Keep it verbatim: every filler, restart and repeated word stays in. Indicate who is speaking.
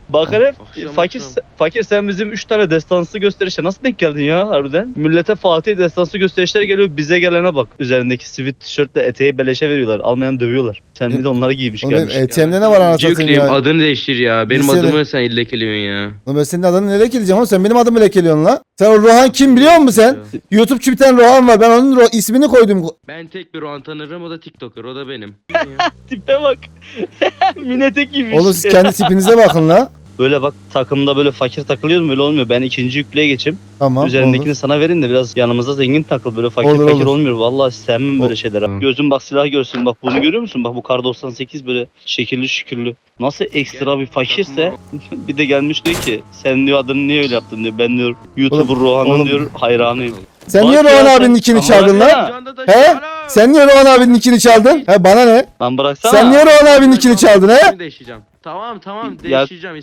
Speaker 1: Bakar hep
Speaker 2: Akşam
Speaker 1: fakir
Speaker 2: akşam.
Speaker 1: fakir sen bizim üç tane destansı gösterişe nasıl denk geldin ya harbiden? Millete Fatih destansı gösterişler geliyor, bize gelene bak. Üzerindeki sivit tişörtle eteği beleşe veriyorlar. Almayan dövüyorlar. Sen bir de onları giymiş
Speaker 3: Oğlum benim
Speaker 1: gelmiş.
Speaker 3: E T M'de ne var anasını satayım
Speaker 2: Yükleyeyim,
Speaker 3: ya?
Speaker 2: adını değiştir ya. Benim
Speaker 3: Lisede-
Speaker 2: adımı sen illekeliyorsun ya.
Speaker 3: Oğlum ben senin adını ne lekeleyeceğim oğlum? Sen benim adımı lekeliyorsun la. Sen o Rohan kim biliyor musun sen? YouTube'cu bir tane Rohan var. Ben onun ro- ismini koydum.
Speaker 2: Ben tek bir Rohan tanırım, o da TikToker, o da benim.
Speaker 1: Tipe bak. Minetek giymiş.
Speaker 3: Oğlum siz kendi tipinize bakın la.
Speaker 1: Böyle bak takımda böyle fakir takılıyoruz, böyle olmuyor. Ben ikinci yüklüğe geçeyim.
Speaker 3: Tamam.
Speaker 1: Üzerindekini
Speaker 3: olur.
Speaker 1: sana verin de biraz yanımızda zengin takıl. Böyle fakir
Speaker 3: Olur,
Speaker 1: fakir
Speaker 3: olur.
Speaker 1: olmuyor. Vallahi sevmem böyle
Speaker 3: Ol-
Speaker 1: şeyler.
Speaker 2: Tamam.
Speaker 1: Gözün bak silah görsün. Bak bunu görüyor musun? Bak bu kar doksan sekiz böyle şekilli şükürlü. Nasıl ekstra bir fakirse bir de gelmiş diyor ki sen diyor adını niye öyle yaptın diyor. Ben diyor YouTuber Rohan'ın
Speaker 3: oğlum-
Speaker 1: diyor hayranıyım.
Speaker 3: Sen
Speaker 1: Bak
Speaker 3: niye
Speaker 1: ya
Speaker 3: Rohan
Speaker 1: sen-
Speaker 3: abinin nickini
Speaker 1: Ama
Speaker 3: çaldın
Speaker 1: ya.
Speaker 3: lan? He? Sen niye Rohan abinin nickini çaldın? He bana ne?
Speaker 1: Lan bıraksana.
Speaker 3: Sen niye Rohan abinin nickini çaldın he?
Speaker 2: Değişeceğim. Tamam tamam
Speaker 1: Ya-
Speaker 2: değişeceğim.